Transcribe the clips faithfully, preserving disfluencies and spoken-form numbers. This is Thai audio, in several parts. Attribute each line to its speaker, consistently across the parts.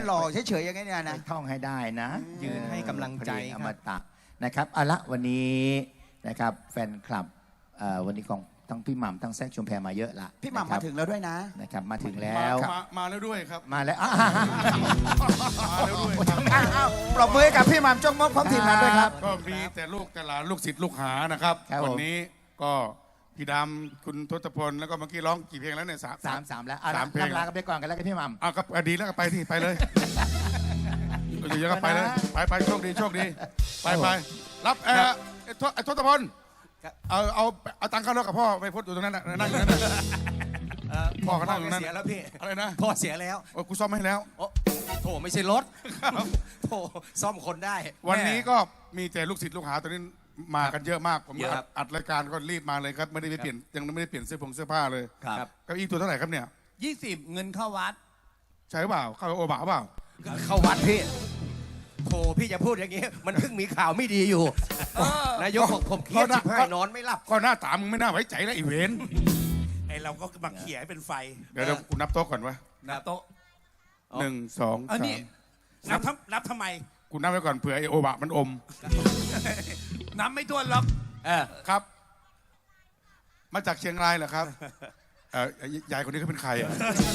Speaker 1: หล่อเฉยๆอย่างนี้เนี่ยนะ
Speaker 2: ท่องให้ได้นะ
Speaker 3: ยืนให้กำลังใจ
Speaker 2: อมตะนะครับเอาละวันนี้นะครับแฟนคลับวันนี้ของทั้งพี่หม่ำทั้งแซคชุมแพมาเยอะละ
Speaker 1: พี่หม่ำมาถึงแล้วด้วยนะ
Speaker 2: นะครับมาถึงแล้ว
Speaker 4: มามาแล้วด้วยครับ
Speaker 2: มาแล้ว
Speaker 4: มาแล้วด้วย
Speaker 1: ปรบมือให้กับพี่หม่ำจงมกพร้อมทีมงานด้วยครับ
Speaker 4: ก็มีแต่ลูกแต่หลานลูกศิษย์ลูกหานะครับวันนี้ก็พี่ดำคุณทศพลแล้วก็เมื่อกี้ร้องกี่เพลงแล้วเนี่ยสาม
Speaker 2: สามสามแล้ว
Speaker 4: สามเพลง
Speaker 2: ลากันไปก่อนกันแล้วกันพี่หม่ำ
Speaker 4: อ่ะก็ดีแล้วก็ไปที่ไปเลยเยอะๆก็ไปเลยไปไปโชคดีโชคดีไปไปรับเออไอ้ทศพลเอาเอาเอาตังค์เข้ารถกับพ่อไปพดอยู่ตรงนั้นน่ะนั่งอยู่นั่นน่ะพ่อเขานั่งอยู่นั่น
Speaker 3: เสียแล้วพี่
Speaker 4: อะไรนะ
Speaker 3: พ่อเสียแล้ว
Speaker 4: โอ้กูซ่อมให้แล้ว
Speaker 3: โถไม่ใช่รถโถซ่อมคนได้
Speaker 4: วันนี้ก็มีแต่ลูกศิษย์ลูกหาตอนนี้มากันเยอะมากผมอัดรายการก็รีบมาเลยครับไม่ได้ไปเปลี่ยนยังไม่ได้เปลี่ยนเสื้อผงเสื้อผ้าเลย
Speaker 3: ครับ
Speaker 4: เก้าอี้ตัวเท่าไหร่ครับเนี่ย
Speaker 3: ยี่สิบเงินเข้าวัด
Speaker 4: ใช่เปล่าเข้าโอบาเปล่า
Speaker 3: เข้าวัดพี่โถพี่จะพูดอย่างนี้มันเพิ่งมีข่าวไม่ดีอยู่นายกบอกผมเครียดชิบหายนอนไม่หลับ
Speaker 4: ก็หน้าตามึงไม่น่าไว้ใจแล้วอีเวน
Speaker 5: ไอเราก็มาเขี่ยให้เป็นไฟ
Speaker 4: เดี๋ยวกูนับโต๊ะก่อนวะ
Speaker 5: นับโต๊ะ
Speaker 4: หนึ่งสองสาม
Speaker 5: นับทำนับทำไม
Speaker 4: กูนับไว้ก่อนเผื่อไอโอบะมันอม
Speaker 5: นับไม่ถ้วนหรอก
Speaker 4: ครับมาจากเชียงรายเหรอครับยายคนนี้เขาเป็นใครอ่ะ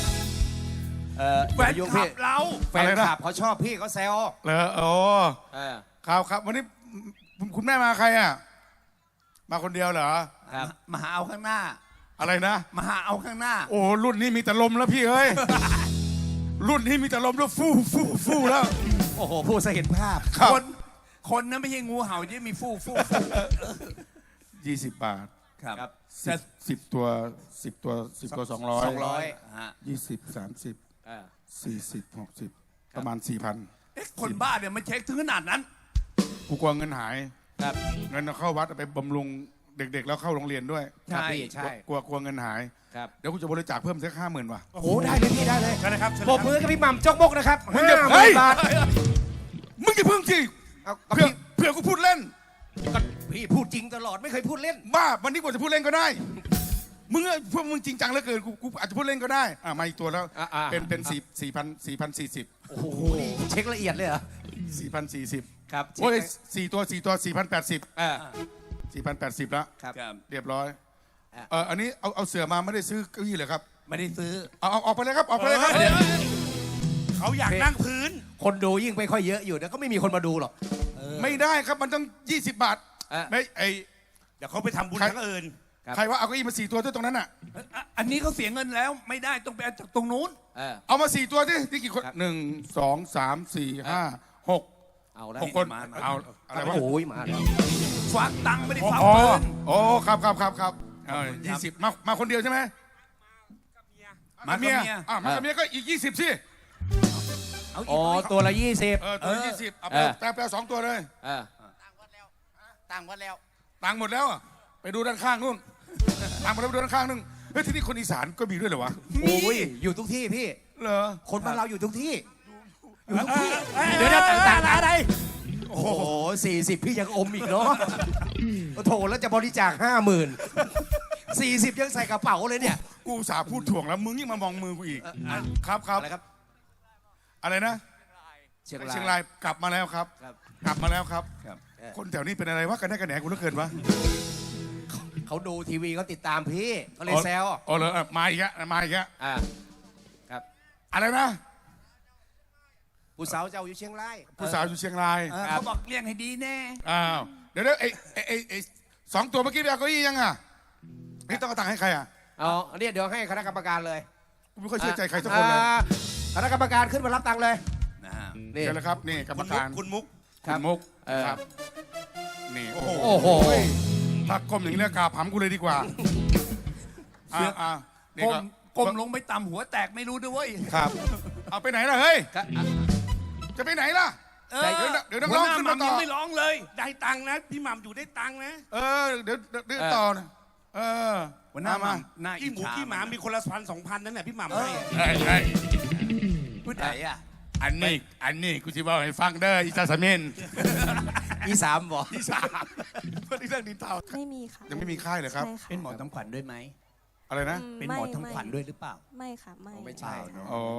Speaker 5: แฟนคลับเรา
Speaker 3: แฟนคลับเขาชอบพี่เขาแซว
Speaker 4: เหรอโอ้ครับครับวันนี้คุณแม่มาใครอ่ะมาคนเดียวเหรอ
Speaker 5: มาหาเอาข้างหน้า
Speaker 4: อะไรนะ
Speaker 5: มาหาเอาข้างหน้า
Speaker 4: โอ้รุ่นนี้มีแต่ลมแล้วพี่เอ้ยรุ่นนี้มีแต่ลมแล้วฟู่ฟู่ฟู่แล้ว
Speaker 3: โอ้โหพูดซะเห็นภาพ
Speaker 5: คนคนนั้นไม่ใช่งูเห่าที่มีฟู่ฟู่
Speaker 4: ยี่สิบบาท
Speaker 5: ครับ
Speaker 4: สิบตัวสิบตัวสิบตัวสองร้อย
Speaker 3: สองร้อย
Speaker 4: ยี่สิบสามสิบสี่สิบหกสิบประมาณสี่พัน
Speaker 5: คนบ้าเนี่ยมันเช็คถึงขนาดนั้น
Speaker 4: กูกลัวเงินหายเงินเข้าวัดไปบำรุงเด็กๆแล้วเข้าโรงเรียนด้วย
Speaker 3: ใช่ใช่
Speaker 4: กลัวกลัวเงินหายเดี๋ยวกูจะบริจาคเพิ่มสักห้าหมื่นว่ะ
Speaker 3: โอ้ได้เลยพี่ได้เลย
Speaker 5: นะครับ
Speaker 3: ปรบมือกับพี่หม่ำจกบกนะครับ
Speaker 4: ห้าหมื่นบาทมึงจะพึ่งสิเพื่อเพื่อกูพูดเล่น
Speaker 3: พี่พูดจริงตลอดไม่เคยพูดเล่น
Speaker 4: บ้าวันนี้กูจะพูดเล่นก็ได้มึงพวกมึงจริงจังเหลือเกินกูกูอาจจะพูดเล่นก็ได้อ่ามาอีกตัวแล้วเป็นเป็นสี่สี่พันสี่พันสี่สิบ
Speaker 3: โอ้โหเช็คละเอียดเลยเหรอ
Speaker 4: สี่พันสี่สิบ
Speaker 3: ครับ
Speaker 4: โอ้ยสี่ตัวสี่ตัวสี่พันแปดสิบ
Speaker 3: อ่า
Speaker 4: สี่พันแปดสิบแล้ว
Speaker 3: ครับ
Speaker 4: เรียบร้อยเอออันนี้เอาเอาเสือมาไม่ได้ซื้อเก้าอี้เลยครับ
Speaker 5: ไม่ได้ซื้อ
Speaker 4: เอาเอาออกไปเลยครับออกไปเลยครับ
Speaker 5: เขาอยากนั่งพื้น
Speaker 3: คนดูยิ่งไม่ค่อยเยอะอยู่แล้วก็ไม่มีคนมาดูหรอก
Speaker 4: ไม่ได้ครับมันต้องยี่สิบบาทไม่ไอ
Speaker 5: เดี๋ยวเขาไปทำบุญทั้งอื่น
Speaker 4: ใครว่าเอาเก้าอี้มาสี่ตัวที่ตรงนั้นอ่ะ
Speaker 5: อันนี้เขาเสียเงินแล้วไม่ได้ต้องไปเอาจากตรงนู้น
Speaker 4: เอามาสี่ตัวที่ที่กี่คนหนึ่งสองสามสี่ห้าหกหกคนเอาอะไรวะ
Speaker 3: โอ้ยมา
Speaker 5: ฝากตังค์ไม่ได้ฝาก
Speaker 4: เงินโอ้ครับครับครับครับยี่สิบมามาคนเดียวใช่ไหมมาเมียอ่ามาเมียก็อีกยี่สิบสิ
Speaker 3: อ๋อตัวละยี่สิบ
Speaker 4: เออตัวละยี่สิบเอาไปแปลสองตัวเลย
Speaker 1: ตังหมดแล้วตังหมดแล้ว
Speaker 4: ตังหมดแล้วไปดูด้านข้างนู่นตังหมดแล้วไปดูด้านข้างนู่นเฮ้ยที่นี่คนอีสานก็มีด้วยเหรอวะ
Speaker 3: โอ้ยอยู่ทุกที่พี่
Speaker 4: เหรอ
Speaker 3: คนบ้านเราอยู่ทุกที่อยู่ทุกที่
Speaker 5: เดี๋ยวต่างๆอะไร
Speaker 3: โอ้โหสี่สิบพี่ยังอมอีกเนาะโถแล้วจะบริจาคห้าหมื่นสี่สิบยังใส่กระเป๋าเลยเนี่ย
Speaker 4: กูสาพูดถ่วงแล้วมึงยิ่งมามองมือกูอีกครับครับ
Speaker 3: อะไรครับ
Speaker 4: อะไรนะ
Speaker 3: เชียงราย
Speaker 4: เชียงรายกลับมาแล้วครับกลับมาแล้วครับคนแถวนี้เป็นอะไรวะกันแน่กันแหนกูเหลือเกินวะ
Speaker 3: เขาดูทีวีเขาติดตามพี่เขาเลยแซว
Speaker 4: อ๋อเหรอมาอีกแล้วมาอีกแล้ว
Speaker 3: อ่าครับ
Speaker 4: อะไรนะ
Speaker 3: ผู้สาวเจ้าอยู่เชียงราย
Speaker 4: ผู้สาวอยู่เชียงราย
Speaker 5: เขาบอกเลี้ยงให้ดีแน่
Speaker 4: อ้าวเดี๋ยวเดี๋ยวไอ้ไอ้ไอ้สองตัวเมื่อกี้ไปเอาเก้าอี้ยังอ่ะนี่ต้องเอาตังค์ให้ใครอ่ะ
Speaker 3: อ๋อเนี่ยเดี๋ยวให้คณะกรรมการเลย
Speaker 4: กูไม่ค่อยเชื่อใจใครสักคนเลย
Speaker 3: คณะกรรมการขึ้นมารับตังค์เลย
Speaker 4: นี่เลยครับนี่กรรมการ
Speaker 5: คุณมุก
Speaker 4: คุณมุกครับนี่โอ้
Speaker 3: โห
Speaker 4: ถ้าก้มอย่างนี้แล้วกาผำกูเลยดีกว่าอ่า
Speaker 5: ก้มก้มลงไปต่ำหัวแตกไม่รู้ด้วย
Speaker 4: ครับเอาไปไหนล่ะเฮ้ยจะไปไหนล่ะเดี๋ยวน้องร้องขึ้นมาต่อ
Speaker 5: ไม่ร้องเลยได้ตังค์นะพี่หม่ำอยู่ได้ตังค์นะ
Speaker 4: เออเดี๋ยวเดี๋ยวต่อนะเออ
Speaker 5: วันหน้ามาขี้หมูขี้หมามีคนละพันสองพันนั่นแหละพี่หม่ำให้
Speaker 4: ใช่ใช่
Speaker 5: พูดไหนอ่ะ
Speaker 4: อันนี้อันนี้กูจะบอกให้ฟังเด้ออีสานสมิน
Speaker 3: อีสามบอก
Speaker 4: อีสามเพื่อนที่เรื่องดินเทา
Speaker 6: ไม่มีค่ะ
Speaker 4: ยังไม่มีค่ายเลยครับ
Speaker 5: เป็นหมอทำขวัญด้วยไหม
Speaker 4: อะไรนะ
Speaker 5: เป็นหมอทำขวัญด้วยหรือเปล่า
Speaker 6: ไม่ค่ะไม่
Speaker 3: ไม่ใช่
Speaker 4: อ๋อ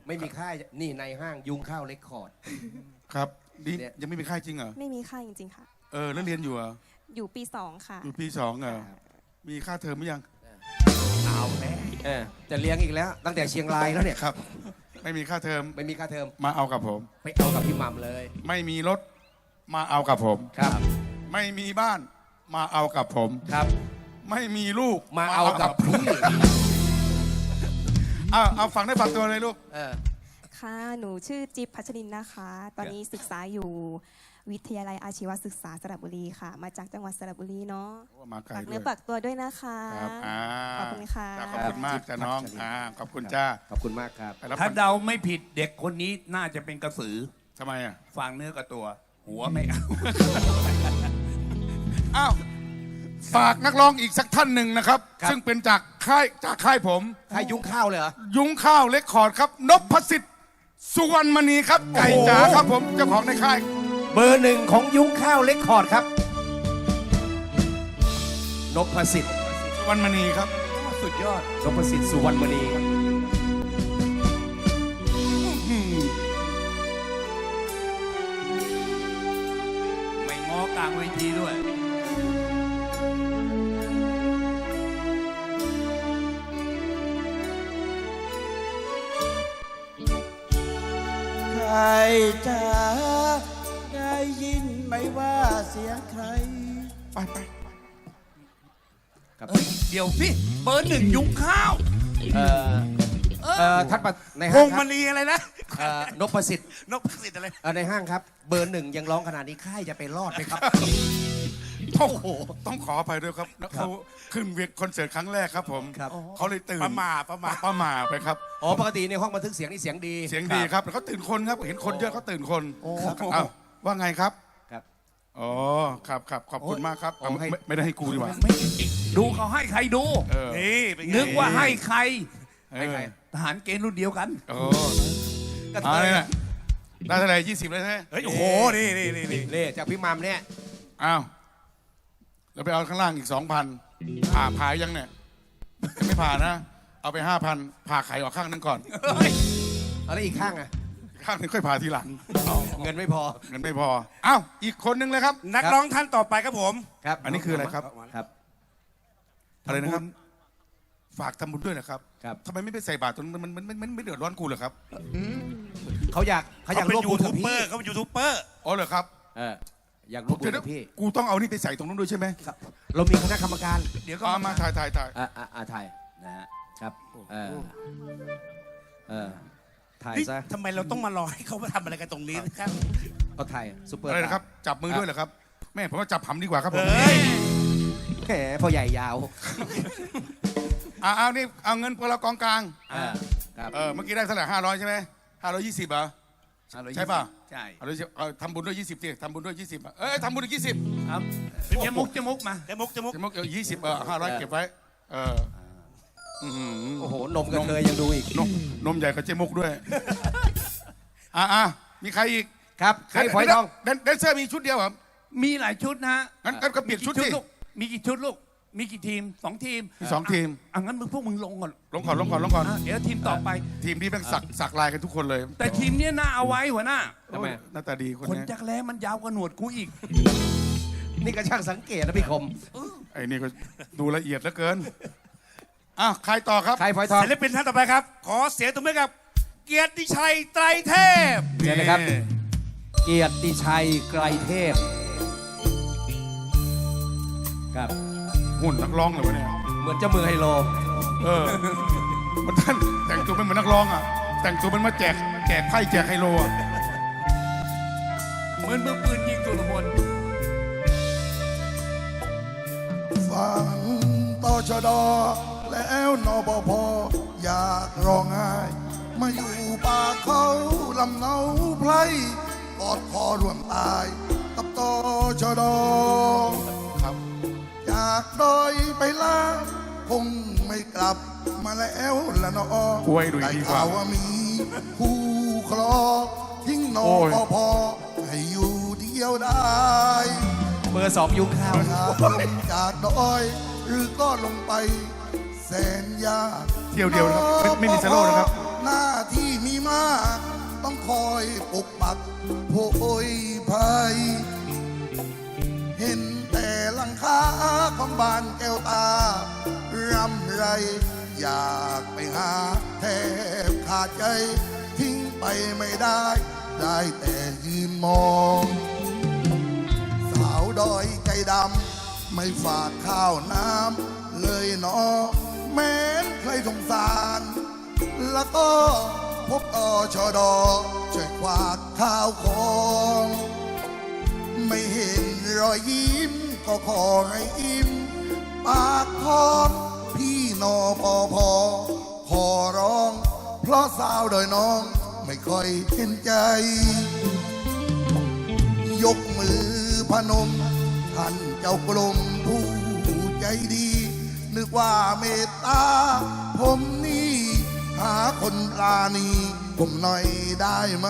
Speaker 3: ไม่มีค่ายนี่ในห้างยุงข้าวเรคคอร์ด
Speaker 4: ครับนี่
Speaker 3: เนี่ย
Speaker 4: ยังไม่มีค่ายจริงเหรอ
Speaker 6: ไม่มีค่าจริงๆค่ะ
Speaker 4: เออแล้วเรียนอยู่เหรอ
Speaker 6: อยู่ปีสองค่ะ
Speaker 4: อยู่ปีสองเหรอมีค่าเทอมหรือยัง
Speaker 5: เอาแล้ว
Speaker 3: เออจะเลี้ยงอีกแล้ว ตั้งแต่เชียงรายแล้วเนี่ย
Speaker 4: ครับ ไม่มีค่าเทอม
Speaker 3: ไม่มีค่าเทอม
Speaker 4: มาเอากับผม
Speaker 3: ไปเอากับพี่หม่ำเลย
Speaker 4: ไม่มีรถมาเอากับผม
Speaker 3: ครับ
Speaker 4: ไม่มีบ้านมาเอากับผม
Speaker 3: ครับ
Speaker 4: ไม่มีลูก
Speaker 3: มาเอากับพี่
Speaker 4: เอาเอาฝังได้ฝังตัวเลยลูก
Speaker 3: เออ
Speaker 6: ค่ะ หนูชื่อจิ๊บพัชรินนะคะ ตอนนี้ศึกษาอยู่วิทยาลัยอาชีวศึกษาสระบุรีค่ะ มาจากจังหวัดสระบุรีเนาะ
Speaker 4: มาไกล
Speaker 6: ฝาก
Speaker 4: ด้
Speaker 6: เนื้
Speaker 4: ว
Speaker 6: อย ฝากตัวด้วยนะคะ
Speaker 4: ครับอ่า
Speaker 6: ขอบคุณค่ะ
Speaker 4: จ้าขอบคุณมากจ้าน้องอ่าขอบคุณจ้า
Speaker 3: ขอบคุณมากครับ
Speaker 4: ไปรับ
Speaker 5: ถ้าเดาไม่ผิดเด็กคนนี้น่าจะเป็นกระสือ
Speaker 4: ทำไมอ่ะ
Speaker 5: ฟังเนื้อกับตัว หัวไม่เอา
Speaker 4: อ้าวฝากนักร้องอีกสักท่านหนึ่งนะครับ
Speaker 3: ครับ
Speaker 4: ซึ่งเป็นจากค่ายจากค่ายผม
Speaker 3: ค่ายยุงข้าวเลยเหรอ
Speaker 4: ยุ้งข้าวเล็กคอร์ดครับนพสิทธิ์สุวรรณมณีครับไก่จ๋าครับผมเจ้าของในค่าย
Speaker 3: เบอร์หนึ่งของยุ้งข้าวเรคคอร์ดครับนพสิทธิ์
Speaker 4: สุวรรณมณีครับ
Speaker 5: สุดยอด
Speaker 3: นพสิทธิ์สุวรรณมณี
Speaker 5: ไม่ง้อกลางเวทีด้วย
Speaker 1: ใครจะได้ยินไหมว่าเสียงใคร
Speaker 4: ไปไป
Speaker 3: ครับ
Speaker 5: เอ้ย เดี๋ยวสิ เบอร์หนึ่งยุ้งข้าว
Speaker 3: เอ่อเอ่อท่านประใน
Speaker 5: พ
Speaker 3: ห้าง
Speaker 5: ง
Speaker 3: ค
Speaker 5: ม
Speaker 3: รับ
Speaker 5: ณีอะไรนะ
Speaker 3: เอ่อนพสิทธิ์
Speaker 5: นกประสิทธิ์อะไร
Speaker 3: เอ่อในห้างครับ เบอร์หนึ่งยังร้องขนาดนี้ค่ายจะไปรอดไหมครับ
Speaker 4: โอ้โหต้องขออภัยด้วยครับแล้วเขาขึ้นเวทคอนเสิร์ตครั้งแรกครับผม
Speaker 3: ครับ
Speaker 4: เขาเลยตื่น
Speaker 5: ประมาประมา
Speaker 4: ประมาไปครับ
Speaker 3: อ๋อปกติในห้องบันทึกเสียงนี่เสียงดี
Speaker 4: เสียงดีครับแล้วเขาตื่นคนครับเห็นคนเยอะเขาตื่นคนเอ้าว่าไงครับ
Speaker 3: ครับ
Speaker 4: อ๋อครับครับขอบคุณมากครับ
Speaker 3: โอ้ให้
Speaker 4: ไม่ไม่ได้ให้กูดีกว่า
Speaker 5: ไม่ดูเขาให้ใครดู
Speaker 4: เออ
Speaker 5: นี่เป็นไงนึกว่าให้ใคร
Speaker 3: ให้ใคร
Speaker 5: ทหารเกณฑ์รุ่นเดียวกัน
Speaker 4: โอ้
Speaker 3: กระ
Speaker 4: มา
Speaker 3: เท
Speaker 4: เลย ยนะได้เท่าไหร่ยี่สิบเลยใช่ไหม
Speaker 5: เฮ้ย โอ้โห นี่นี่นี่นี่
Speaker 3: เล่จากพี่มัมเนี่ย
Speaker 4: อ้าวแล้วไปเอาข้างล่างอีกสองพันผ่าผ่ายังเนี่ยยังไม่ผ่านะ เอาไปห้าพันผ่าไข่ออกข้างนึงก่อน
Speaker 3: เอาแล้วอีกข้างอ่ะ
Speaker 4: ข้างนึงค่อยผ่าทีหลัง
Speaker 3: เงินไม่พอ
Speaker 4: เงินไม่พออ้าวอีกคนนึงเลยครับ
Speaker 5: นักร้องท่านต่อไปครับผม
Speaker 3: ครับ
Speaker 4: อันนี้คืออะไรครับ
Speaker 3: ครับ
Speaker 4: อะไรนะครับ ฝากทำบุญด้วยนะครับ
Speaker 3: ครับ
Speaker 4: ทำไมไม่ไปใส่บาตรตรงนั้นมันมันมันมันไม่เดือดร้อนกูเหรอครับ
Speaker 3: เขาอยากเขาอยาก
Speaker 5: เป็น
Speaker 3: ร่วม
Speaker 5: ยู
Speaker 3: บุญ
Speaker 5: ทู
Speaker 3: กับบ
Speaker 5: เบอ
Speaker 3: พี่
Speaker 5: ร์เขาเป็นยูทูบเบอร์
Speaker 4: อ๋อเหรอครับ
Speaker 3: เอออยากร่วมบุญ
Speaker 4: เดี๋ยว
Speaker 3: กับพี่
Speaker 4: กูต้องเอานี่ไปใส่ตรงนู้นด้วยใช่ไหม
Speaker 3: ครับเรามีคณะกรรมการ
Speaker 5: เดี๋ยวก็
Speaker 4: เอามาถ่ายถ่ายถ่าย
Speaker 3: อ่าอ่าอ่าถ่าย
Speaker 5: นะฮะ
Speaker 3: ครับเออเออถ่าย
Speaker 5: เฮ้ย
Speaker 3: ซะ
Speaker 5: ทำไมเราต้องมารอให้เขามาทำอะไรกันตรงนี้นะครับ
Speaker 3: เอาถ่ายซุปเปอร์
Speaker 4: อะไรนะครับ จับมือด้วยเหรอครับแม่ผมว่าจับหำดีกว่าครับผม
Speaker 5: เฮ้ย
Speaker 3: แหมพอใหญ่ยาว
Speaker 4: อ่าเอานี่เอาเงินพวกเรากองกลาง
Speaker 3: อ่าครับ
Speaker 4: เออเมื่อกี้ได้เท่าไหร่ห้าร้อยใช่ไหมห้าร้อยยี่สิบเหรอ ใช่ป่ะ
Speaker 5: ใช่
Speaker 4: เอาเลยเอาทำบุญด้วยยี่สิบสิทำบุญด้วยยี่สิบเอ้ยทำบุญด้วยยี่สิบ
Speaker 5: ครับเจมุกเจมุกมาเจมุกเจมุก
Speaker 4: เดี๋ยวยี่สิบเออห้าร้อยเก็บไว้เอออื้อหือ
Speaker 3: โอ้โหนมกระเทยยังดูอีก
Speaker 4: นมนมใหญ่กับเจมุกด้วยอ่าอ่ามีใครอีก
Speaker 3: ครับใครฝอยทอง
Speaker 4: แดนแดนเซอร์มีชุดเดียวเหรอ
Speaker 5: มีหลายชุดนะฮะ
Speaker 4: งั้นงั้นก็เปลี่ยนชุดสิ
Speaker 5: ลูกมีกี่ชุดลูก มีกี่ทีมสองทีม
Speaker 4: มีสองทีม
Speaker 5: อ่ะงั้นมึงพวกมึงลงก่อน
Speaker 4: ลงก่อนลงก่อนลงก่อน
Speaker 5: อ่ะเดี๋ยวทีมต่อไป
Speaker 4: ทีมนี้แม่งสักสักลายกันทุกคนเลย
Speaker 5: แต่ทีมเนี้ยน่าเอาไว้หัวหน้า
Speaker 3: ทำไม
Speaker 4: หน้าตาดีคน
Speaker 5: คน
Speaker 4: นี้
Speaker 5: จักรแล้มันยาวกว่าหนวดกูอีก
Speaker 3: นี่ก็ช่างสังเกตนะพี่คม
Speaker 4: ไอ้นี่ก็ดูละเอียดเหลือเกินอ่ะใครต่อครับ
Speaker 3: ใครฝอยทอง
Speaker 5: ศิลปินท่านต่อไปครับ ขอเสียงตบมือกับ เกียรติชัยไตรเทพ
Speaker 3: เชิญเลยครับ เกียรติชัยไกรเทพครับ
Speaker 4: หุ่นนักร้องเลยวะเนี่ย
Speaker 3: เหมือนเจ้ามือไฮโล
Speaker 4: เออ มันท่านแต่งตัวเป็นเหมือนนักร้องอ่ะ แต่งตัวเป็นมาแจกแจกไพ่แจกไฮโลอ่ะ
Speaker 5: เหมือนมือปืนยิงสุรพล
Speaker 7: ฟังต่อชดอแล้วนบพอยากร้องไห้มาอยู่ป่าเขาลำเนาไพรกอดคอรวมตายกับต่อชดอ
Speaker 4: ครับ
Speaker 7: จากดอยไปล่าคงไม่กลับมาแล้วละนอ
Speaker 4: ป่วยดูอีก
Speaker 7: ได้
Speaker 4: ดีกว่า
Speaker 7: ข่าวว่ามีคู่ครองทิ้งนอ
Speaker 4: โอ้ย
Speaker 7: พอให้อยู่เดียวได้
Speaker 3: เบอร์สองยุงข้าว
Speaker 7: หากลงจากดอย หรือก็ลงไปแสนยาก
Speaker 4: เที่ยวเดียวนะครับไม่ไม่มีสโลว์นะครับ
Speaker 7: หน้าที่มีมาก ต้องคอยปกปักโพยภัย เห็นแต่หลังคาของบ้านแก้วตารำไร อยากไปหาแทบขาดใจ ทิ้งไปไม่ได้ ได้แต่ยืนมอง สาวดอยใจดำ ไม่ฝากข้าวน้ำเลยเนอแม้นใครสงสาร แล้วก็พบอชดช่วยควักข้าวของ ไม่เห็นรอยยิ้มก็ขอให้อิ่มปากท้องพี่นอพอพอขอร้อง เพราะสาวโดอยน้องไม่ค่อยเห็นใจ ยกมือพนม ท่านเจ้ากรมผู้ใจดี นึกว่าเมตตา ผมนี่หาคนปราณีผมหน่อยได้ไหม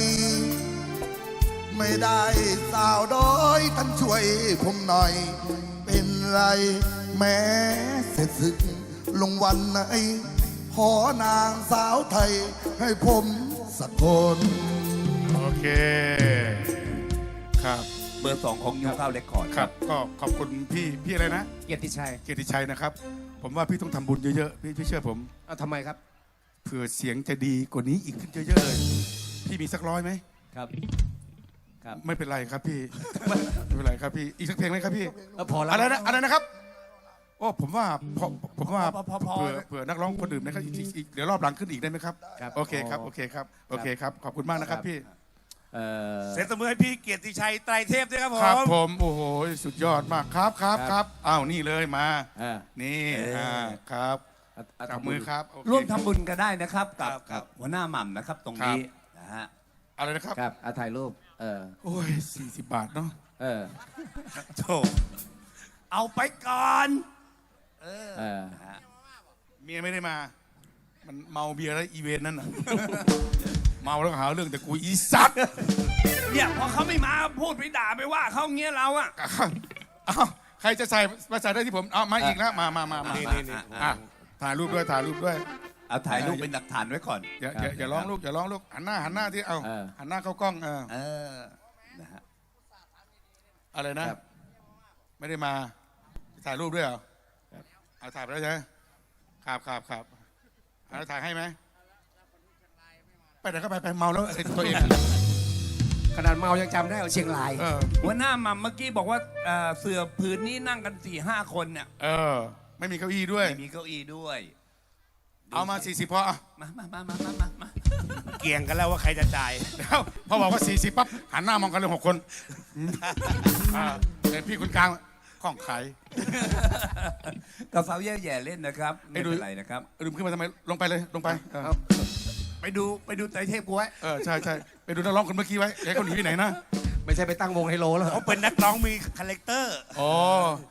Speaker 7: ไม่ได้สาวด้อยท่านช่วยผมหน่อย เป็นไรแม้เสร็จศึกลงวันไหน ขอนางสาวไทยให้ผมสักคน
Speaker 4: โอเคครับ
Speaker 5: เบอร์สองของยูเก้าเรคคอร์ด
Speaker 4: ครับก็ขอบคุณพี่พี่อะไรนะ
Speaker 3: เกียรติชัย
Speaker 4: เกียรติชัยนะครับ ผมว่าพี่ต้องทำบุญเยอะๆพี่พี่เชื่อผม
Speaker 3: เอาทำไมครับ
Speaker 4: เผื่อเสียงจะดีกว่านี้อีกขึ้นเยอะๆเลย พี่มีสักร้อยไหม
Speaker 3: ครับ ครับ
Speaker 4: ไม่เป็นไรครับพี่ ไม่เป็นไรครับพี่อีกสักเพลงไหมครับพี่
Speaker 3: เออพอแล้ว
Speaker 4: อะไรนะอะไรนะครับโอ้ผมว่าพอผมว่า
Speaker 3: พอพอพอ
Speaker 4: เผื่อเผื่อนักร้องคนอื่นนะครับอีกอีกอีกเดี๋ยวรอบหลังขึ้นอีกได้ไหมครับ
Speaker 3: ครับ
Speaker 4: โอเคครับโอเคครับโอเคครับขอบคุณมากนะครับพี่
Speaker 3: เอ่อ
Speaker 5: เสียงตบมือให้พี่เกียรติชัยไตรเทพด้วยครับผ
Speaker 4: ครับ
Speaker 5: ม
Speaker 4: ผมโอ้โหสุดยอดมากครับครับครับอ้าวนี่เลยมา
Speaker 3: เออ
Speaker 4: นี่
Speaker 3: เอออ่
Speaker 4: อ่าครับ
Speaker 3: เอาเอา
Speaker 4: จับ
Speaker 3: ทำบุญ
Speaker 4: มือครับโอเค
Speaker 3: ร่วมทำบุญกันได้นะครับ กับ
Speaker 5: ครับครั
Speaker 3: กับบ หัวหน้าหม่ำนะครับ ตรงนี้นะฮะ
Speaker 4: อะไรนะครับ
Speaker 3: ครับเอาถ่ายรูป เออ
Speaker 4: โอ้ยสี่สิบบาทเนาะ
Speaker 3: เออ
Speaker 5: โถเอาไปก่อน
Speaker 3: เออ
Speaker 4: เมียไม่ได้มา มันเมาเบียร์แล้วอีเวนต์นั่นน่ะ เมาแล้วก็หาเรื่องแต่กูอีสัตว์
Speaker 5: เนี่ยพอเขาไม่มาพูดไปด่าไปว่าเขาเงี้ยเราอะ
Speaker 4: เอ้าใครจะใส่มาใส่ได้ที่ผมเอามาอีกแล้วมามามามา
Speaker 5: นี่
Speaker 4: มา
Speaker 5: นี่
Speaker 4: อ่ะถ่ายรูปด้วยถ่ายรูปด้วย
Speaker 2: เอาถ่ายรูปเป็นหลักฐานไว้ก่อน
Speaker 4: อย่าอย่าอย่าร้องลูกอย่าร้องลูกหันหน้าหันหน้าที่เอา
Speaker 3: เออ
Speaker 4: หันหน้าเข้ากล้องเออ
Speaker 2: เออ นะฮะ
Speaker 4: อะไรนะครับ ไม่ได้มาถ่ายรูปด้วยเหรอเอาถ่ายไปแล้วใช่ไหมครับครับครับเอาถ่ายให้ไหมไปไหนก็ไปไปเมาแล้วไอ้ตัวเอง
Speaker 3: ขนาดเมายังจำได้เอาเชียงราย
Speaker 4: เออ
Speaker 5: หัวหน้าหม่ำเมื่อกี้บอกว่าเอ่อเสือผืนนี้นั่งกันสี่ห้าคนเนี่ย
Speaker 4: เออ ไม่มีเก้าอี้ด้วย
Speaker 2: ไม่มีเก้าอี้ด้วย
Speaker 4: เอามาสี่สิบพออ่ะ
Speaker 5: มามามามามามาเกี่ยงกันแล้วว่าใครจะจ่าย
Speaker 4: แล้วพอบอกว่าสี่สิบปั๊บหันหน้ามองกันเลยหกคนอ่าแต่พี่คนกลางข้องขาย
Speaker 2: กับสาวแย่แย่เล่นนะครับ
Speaker 4: ไอ้
Speaker 2: ไม่
Speaker 4: ดู
Speaker 2: เป็นไรนะครับ
Speaker 4: ลืมขึ้นมาทำไมลงไปเลยลงไปเออ
Speaker 2: ไปดูไปดูไตรเทพกูไว้
Speaker 4: เออใช่ใช่ไปดูนักร้องคนเมื่อกี้ไว้อย่าให้เขาหนีไปไหนนะ
Speaker 3: ไม่ใช่ไปตั้งวงไฮโลแล้วเหรอ
Speaker 5: เขาเป็นนักร้องมีคาแรคเตอร์
Speaker 4: อ๋อ